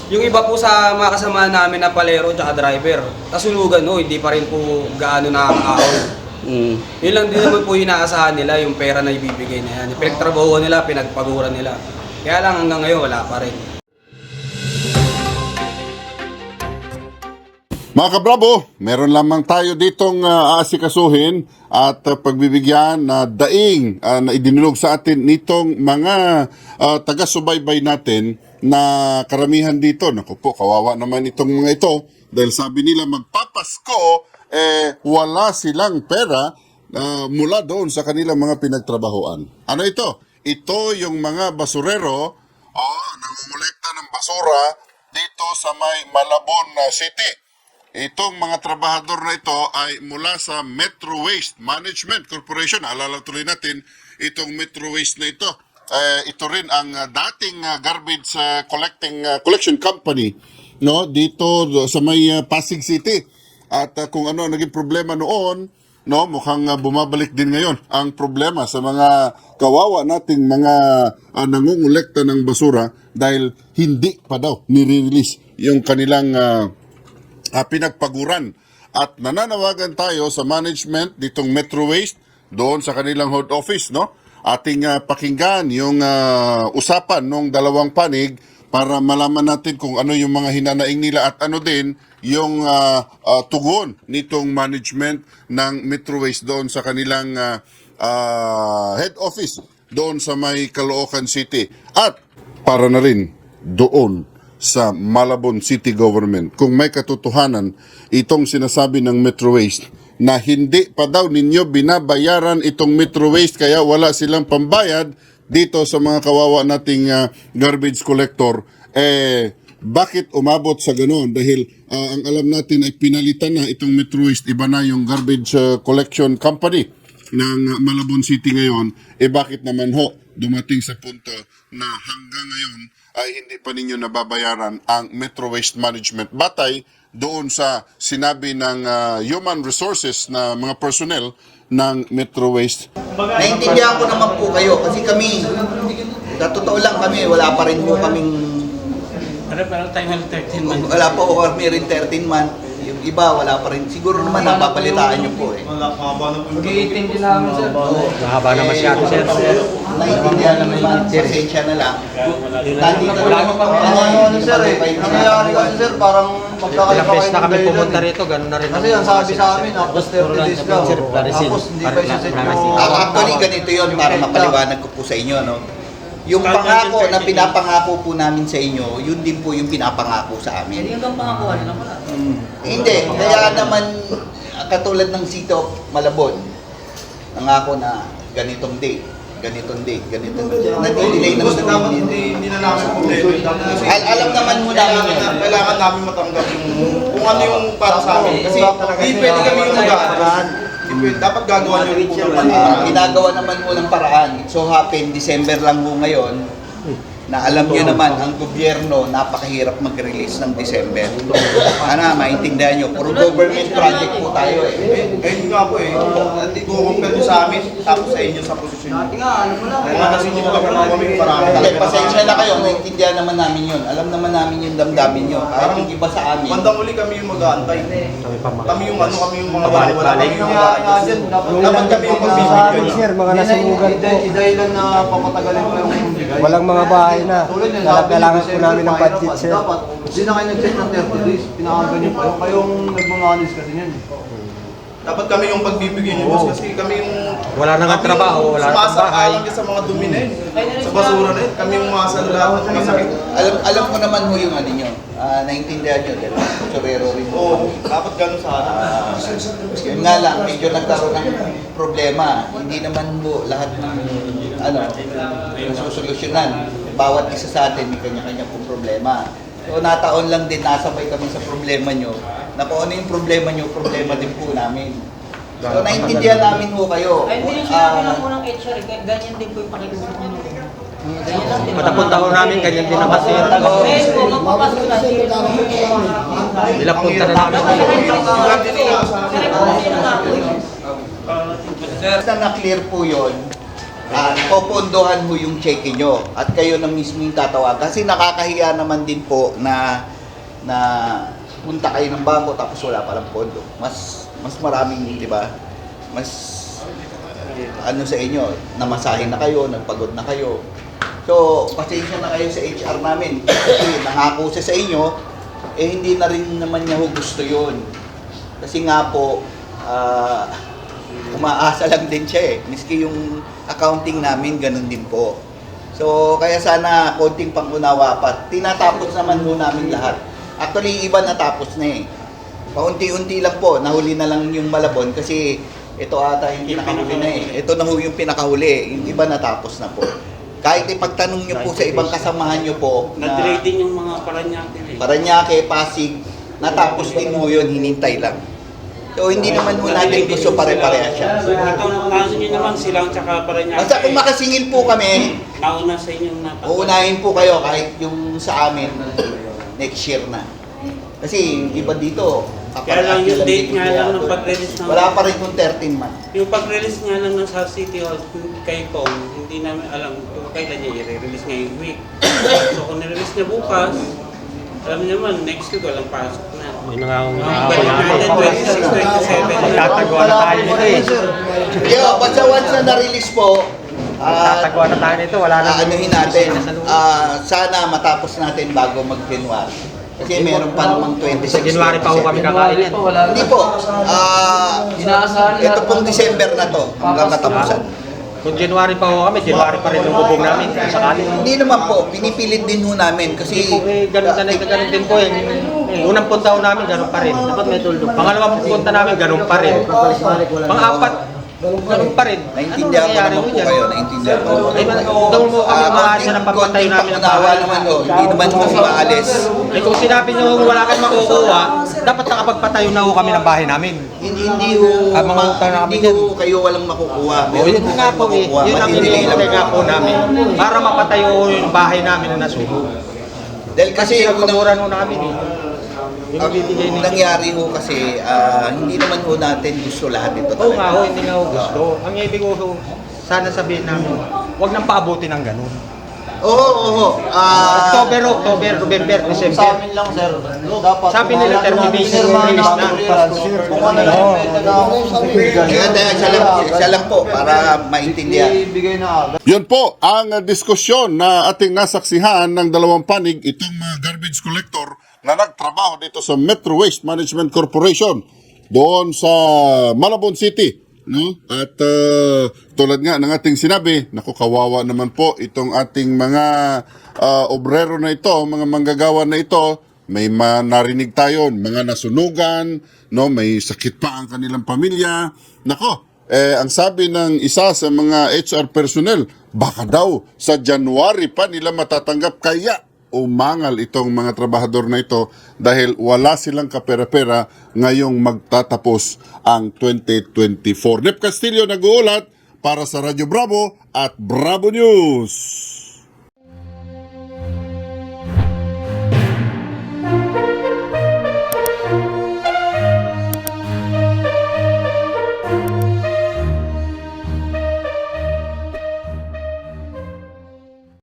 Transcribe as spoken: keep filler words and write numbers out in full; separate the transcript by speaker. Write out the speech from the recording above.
Speaker 1: Yung iba po sa mga kasama namin na palero at driver, kasulugan no, hindi pa rin po gaano nakakaahon.
Speaker 2: Mm.
Speaker 1: Yun lang din naman po yung inaasahan nila, yung pera na ibibigay na yan. Yung pinagtrabahuan nila, pinagpaguran nila. Kaya lang hanggang ngayon wala pa rin.
Speaker 3: Mga kabrabo, meron lamang tayo ditong uh, aasikasuhin at uh, pagbibigyan na daing uh, na idinulog sa atin nitong mga uh, taga-subaybay natin na karamihan dito. Naku po, kawawa naman itong mga ito dahil sabi nila magpapasko, eh wala silang pera uh, mula doon sa kanilang mga pinagtrabahoan. Ano ito? Ito yung mga basurero, oh, nangungulekta ng basura dito sa may Malabon uh, City. Itong mga trabahador na ito ay mula sa Metro Waste Management Corporation. Alala tuloy natin itong Metro Waste na ito. Uh, ito rin ang uh, dating uh, garbage uh, collecting uh, collection company no dito sa may uh, Pasig City. At uh, kung ano naging problema noon, no mukhang uh, bumabalik din ngayon ang problema sa mga kawawa nating mga uh, nangungulekta ng basura dahil hindi pa daw nire-release yung kanilang uh, Uh, pinagpaguran at nananawagan tayo sa management ditong Metro Waste doon sa kanilang head office, no? Ating uh, pakinggan yung uh, usapan ng dalawang panig para malaman natin kung ano yung mga hinanaing nila at ano din yung uh, uh, tugon nitong management ng Metro Waste doon sa kanilang uh, uh, head office doon sa may Caloocan City at para na rin doon sa Malabon City Government. Kung may katotohanan itong sinasabi ng Metro Waste na hindi pa daw ninyo binabayaran itong Metro Waste kaya wala silang pambayad dito sa mga kawawa nating uh, garbage collector, eh bakit umabot sa ganoon? Dahil uh, ang alam natin ay pinalitan na itong Metro Waste, iba na yung garbage uh, collection company ng uh, Malabon City ngayon, eh bakit naman ho dumating sa punto na hanggang ngayon ay hindi pa ninyo nababayaran ang Metro Waste Management batay doon sa sinabi ng uh, human resources na mga personnel ng Metro Waste.
Speaker 4: Naintindihan ko naman po kayo kasi kami, sa totoo lang kami, wala pa rin po kaming,
Speaker 2: Ano parang tayo thirteen months?
Speaker 4: wala pa po kami rin thirteen month. Yung iba, wala pa rin. Siguro naman napapalitaan nyo po eh.
Speaker 1: Mag-i-eighteen din namin sir.
Speaker 2: Mahaba na masyado, sir.
Speaker 4: Naintindihan naman naman, pasensya na lang. Nandito lang
Speaker 5: Ano ano sir eh, nangyayari kasi sir, parang magkakaiba
Speaker 2: Ilang beses na kami
Speaker 5: dahilan.
Speaker 2: pumunta rito, ganun na rin.
Speaker 5: Kasi ang sabi sa amin, tapos thirty days daw. Tapos hindi pa isa-set yung...
Speaker 4: Ah, actually, ganito yun para mapaliwanag ko po sa inyo, no? Yung pangako na pinapangako po namin sa inyo, yun din po yung pinapangako sa amin.
Speaker 6: Yung pangako, ano naman?
Speaker 4: Hindi, kaya naman katulad ng Sito Malabon, nangako na ganitong date, ganitong date, ganitong date. Nag-delay naman naman.
Speaker 7: Hindi, hindi na namin problema. Kasi
Speaker 4: Al alam naman mo namin
Speaker 7: kailangan,
Speaker 4: yun.
Speaker 7: na, kailangan namin matanggap yung kung ano yung para sa amin. Kasi hindi pwede kami yung mag-aaral. Dapat gagawa nyo rin po ng
Speaker 4: Ah, ginagawa naman mo ng paraan. It so happen, December lang mo ngayon, na alam nyo naman, ang gobyerno, napakahirap mag-release ng December. Ano, maintindihan nyo, puro government project po tayo eh.
Speaker 7: Eh, hindi nga po eh. Hindi ko compare nyo sa amin, tapos sa inyo sa posisyon nyo. Kaya kasi hindi ko kapag kami marami
Speaker 4: Okay,
Speaker 7: talaga.
Speaker 4: pasensya na kayo, maintindihan naman namin yun. Alam naman namin yung damdamin nyo. Kahit yung iba sa amin.
Speaker 7: Bandang uli kami yung mag-aantay. Kami yung ano, kami yung mga wala
Speaker 2: Balik-balik.
Speaker 7: kami yung mag-aantay. Dapat kami yung pagbibigyan.
Speaker 5: Sir, mga nasunugan po. Idahilan na papatagalin pa yung...
Speaker 8: Walang mga bahay na.
Speaker 5: Tulad yun,
Speaker 8: Kailangan
Speaker 5: sabi
Speaker 8: kailangan
Speaker 5: niyo,
Speaker 8: po namin ng
Speaker 5: December
Speaker 8: budget,
Speaker 5: pa,
Speaker 8: sir.
Speaker 5: Dapat, hindi na kayo nag-set ng thirty days. Pinakagan niyo pa. Kayong nagmamanis kasi niyan.
Speaker 7: Dapat kami yung pagbibigyan nyo, boss, kasi kami yung...
Speaker 2: Wala na nga
Speaker 7: kami
Speaker 2: trabaho,
Speaker 7: yung
Speaker 2: wala na bahay.
Speaker 7: sumasang-alang sa mga dumi na yun. Sa basura na yun. Kami yung masal lahat ng mga sakit.
Speaker 4: Alam alam ko naman ho yung ano nyo. Ah, naintindihan nyo, dahil sorero rin po.
Speaker 7: Oo, dapat ganun sa atin.
Speaker 4: Yun nga lang, medyo nagkaroon ng problema. Hindi naman po lahat ng ano, nasusolusyonan. Bawat isa sa atin may kanya-kanya pong problema. So nataon lang din, nasabay kami sa problema nyo. Na kung ano yung problema nyo, problema din po namin. So naintindihan namin ho kayo.
Speaker 6: Ay, hindi yung sinabi
Speaker 4: Ah,
Speaker 6: ng unang H R, eh, ganyan din po yung pakikinig niyo. Ganyan lang din.
Speaker 2: Matapunta ko namin, ganyan din naman, sir.
Speaker 6: Eh, po, magpapasok na sila.
Speaker 2: Ilang punta na namin.
Speaker 6: Kasi po, sino nga po yun?
Speaker 4: Basta na-clear po yun, at popondohan ho yung cheque nyo at kayo na mismo yung tatawag. Kasi nakakahiya naman din po na na punta kayo ng bangko tapos wala palang pondo. Mas mas maraming, di ba? Mas ano sa inyo, namasahin na kayo, nagpagod na kayo. So, pasensya na kayo sa H R namin. Kasi nangako siya sa inyo, eh hindi na rin naman niya ho gusto yun. Kasi nga po, ah, umaasa lang din siya eh. Miski yung accounting namin, ganun din po. So, kaya sana konting pangunawa pa. Tinatapos naman ho namin lahat. Actually, iba natapos na eh. Paunti-unti lang po, nahuli na lang yung Malabon kasi ito ata yung pinakahuli na eh. Ito na ho yung pinakahuli, yung iba natapos na po. Kahit ipagtanong nyo po sa ibang kasamahan nyo po na
Speaker 9: Na-delay din yung mga Paranaque eh.
Speaker 4: Paranaque, Pasig, natapos din ho yun, hinintay lang. So hindi naman ho natin gusto pare-pareha siya.
Speaker 9: So, itong kaso nyo naman silang tsaka Paranaque.
Speaker 4: Basta kung makasingil po kami,
Speaker 9: Nauna sa inyong napag-
Speaker 4: uunahin po kayo kahit yung sa amin next year na. Kasi yung iba dito,
Speaker 9: Kaya lang yung
Speaker 4: kaparati
Speaker 9: date nga
Speaker 4: binibigyan.
Speaker 9: lang ng pag-release ng...
Speaker 4: Wala pa rin kung thirteen man.
Speaker 9: Yung pag-release nga lang ng sa City Hall kay Kong, hindi namin alam kung kailan niya i-release ngayong week. So kung nirelease niya bukas, alam niyo naman, next week walang pasok na.
Speaker 2: Yun na nga ang
Speaker 9: Ang
Speaker 2: ako
Speaker 9: balik natin, twenty-six, twenty-seven.
Speaker 2: Magtatagawa na tayo nito eh.
Speaker 4: Yo, basta once na na-release po, ah,
Speaker 2: Magtatagawa na tayo nito. Wala na.
Speaker 4: aanuhin natin, ah, sana matapos natin bago mag-January. Kasi meron pa namang twenty-six.
Speaker 2: Sa January pa ho kami kakain yan.
Speaker 4: Hindi po. Ah, ito pong December na to, hanggang katapusan.
Speaker 2: Kung January pa ho kami, January pa rin ang bubong namin. Kung sakali.
Speaker 4: Hindi naman po, pinipilit din ho namin kasi
Speaker 2: Eh, ganun na ganun din po eh. Unang punta ho namin, ganun pa rin. Dapat may tuldok. Pangalawang punta namin, ganun pa rin. Pang-apat, ganun pa rin.
Speaker 4: naintindihan ko naman po kayo, naintindihan ko naman
Speaker 2: Eh,
Speaker 4: po kayo.
Speaker 2: doon mo kami
Speaker 4: Ah,
Speaker 2: maasa
Speaker 4: konting-
Speaker 2: ng papatayo
Speaker 4: konting
Speaker 2: namin ng
Speaker 4: pangunawa
Speaker 2: bahay.
Speaker 4: naman ho, hindi naman kami maalis.
Speaker 2: Eh kung sinabi nyo wala kang makukuha, dapat nakapagpatayo na ho kami ng bahay namin.
Speaker 4: Hindi, hindi ho,
Speaker 2: Ah, mga
Speaker 4: ma-
Speaker 2: utang na kami
Speaker 4: hindi ho kayo walang makukuha.
Speaker 2: O yun
Speaker 4: ho
Speaker 2: nga
Speaker 4: kayong
Speaker 2: po eh,
Speaker 4: makukuha,
Speaker 2: yun ang
Speaker 4: madidelay lang
Speaker 2: hinihintay nga
Speaker 4: po.
Speaker 2: po namin. Para mapatayo yung bahay namin na nasuho.
Speaker 4: Dahil kasi
Speaker 2: Kasi
Speaker 4: unang,
Speaker 2: nagpamuran ho namin eh. Yung
Speaker 4: ang
Speaker 2: bibigay ni...
Speaker 4: nangyari ho kasi, ah, hindi naman ho natin gusto lahat ito
Speaker 2: Oo nga ho,
Speaker 4: talaga.
Speaker 2: hindi nga ho gusto. Ang ibig ko ho, sana sabihin namin, huwag nang paabutin ng ganun.
Speaker 4: Oo, oo, oo. Ah,
Speaker 2: October, October, November,
Speaker 5: Sa
Speaker 2: December.
Speaker 5: amin lang, sir. Dapat
Speaker 2: Sabi nila, termination release na.
Speaker 5: Kung ano lang yung pwede na ako
Speaker 4: kaya tayo, siya lang, siya lang po, para maintindihan.
Speaker 5: ibigay na agad.
Speaker 3: Yun po ang uh, diskusyon na ating nasaksihan ng dalawang panig, itong mga garbage collector na nagtrabaho dito sa Metro Waste Management Corporation doon sa Malabon City. No? At uh, tulad nga ng ating sinabi, naku, kawawa naman po itong ating mga uh, obrero na ito, mga manggagawa na ito. May ma- narinig tayo, mga nasunugan, no? May sakit pa ang kanilang pamilya. Nako, eh, ang sabi ng isa sa mga H R personnel, baka daw sa January pa nila matatanggap, kaya umangal itong mga trabahador na ito dahil wala silang kapera-pera ngayong magtatapos ang twenty twenty-four. Nep Castillo nag-uulat para sa Radyo Bravo at Bravo News.